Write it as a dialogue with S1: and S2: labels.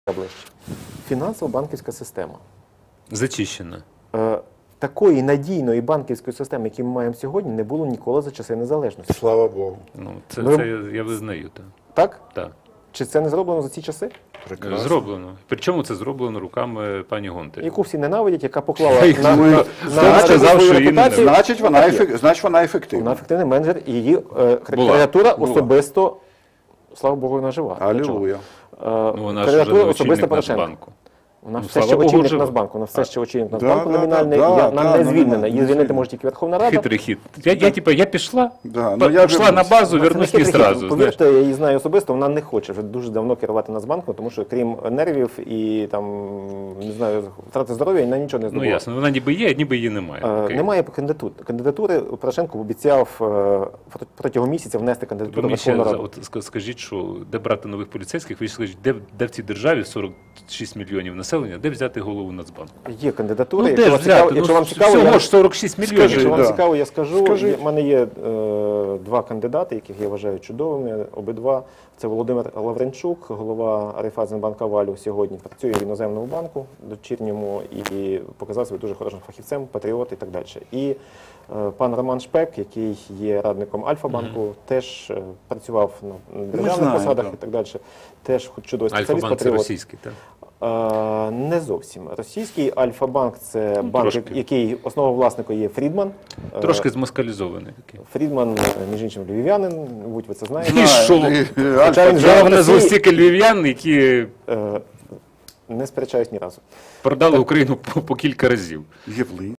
S1: ближче. Фінансово-банківська система.
S2: Зачищена.
S1: Такої надійної банківської системи, яку ми маємо сьогодні, не було ніколи за часи незалежності.
S3: Слава Богу.
S2: Ну, це я визнаю. Так?
S1: Так?
S2: Так.
S1: Чи це не зроблено за ці часи?
S3: Прекрасно.
S2: Зроблено. Причому це зроблено руками пані Гонтаревої.
S1: Яку всі ненавидять, яка поклала
S2: Я
S1: на
S2: сказав, що її
S1: репутацію.
S3: Значить, вона ефективна.
S1: Вона ефективний менеджер, і її кандидатура особисто, слава Богу, вона жива.
S3: Алілуя.
S2: Вона ж
S1: Кандидатура
S2: вже
S1: особисто
S2: очільник
S1: Порошенка.
S2: Нацбанку.
S1: Вона
S2: Ну,
S1: все ще
S2: слава Богу,
S1: очільник
S2: жива.
S1: Нацбанку, вона все ще очільник
S3: Да,
S1: Нацбанку
S3: да,
S1: номінальний,
S3: да,
S1: вона не звільнена. Її звільнити
S3: звільнена.
S1: може тільки Верховна Рада.
S2: Хитрий хід. Я пішла,
S3: Да, ну, я
S2: пішла на базу,
S1: Це
S2: вернусь
S1: не
S2: не
S1: хитрий хід.
S2: сразу.
S1: Повірте, я її знаю особисто, вона не хоче вже дуже давно керувати Нацбанком, тому що крім нервів і там, не знаю, втрати здоров'я, вона нічого не
S2: Ну
S1: здобула.
S2: ясно, вона ніби є, ніби її немає. Окей.
S1: Немає кандидатури. Порошенко обіцяв протягом місяця внести
S2: Ви
S1: кандидатуру
S2: мені
S1: в
S2: ще
S1: Верховну Раду.
S2: скажіть, що де брати нових поліцейських? Ви ж скажіть, де в цій державі 46 мільйонів населення, де взяти голову Нацбанку?
S1: Є кандидатури,
S2: Ну,
S1: якщо
S2: де
S1: вам
S2: ж
S1: цікаво,
S2: взяти?
S1: якщо
S2: Ну,
S1: вам цікаво,
S2: всього
S1: я...
S2: ж 46 мільйонів.
S1: Якщо вам
S3: да.
S1: цікаво, я скажу.
S3: Скажи.
S1: У мене є два кандидати, яких я вважаю чудовими, обидва. Це Володимир Лавренчук, голова Райфайзенбанка Валю, сьогодні працює в іноземному банку дочірньому і показав себе дуже хорошим фахівцем, патріот і так далі. І пан Роман Шпек, який є радником Альфа-банку, теж працював на державних
S3: знаємо,
S1: посадах
S3: так.
S1: і так далі. Теж чудовий спеціаліст,
S2: Альфа-банк це
S1: патріот.
S2: російський, так?
S1: Не зовсім. Російський Альфа-банк – це банк,
S2: трошки.
S1: який основовласником є Фрідман.
S2: Трошки змоскалізований такий.
S1: Фрідман, між іншим, львів'янин, мабуть, ви це знаєте.
S2: І що?
S1: Хоча він
S2: Я
S1: живе в
S2: назву
S1: Росії,
S2: стільки львів'ян, які
S1: не сперечаюсь ні разу.
S2: продали Україну по кілька разів.
S3: Євлин.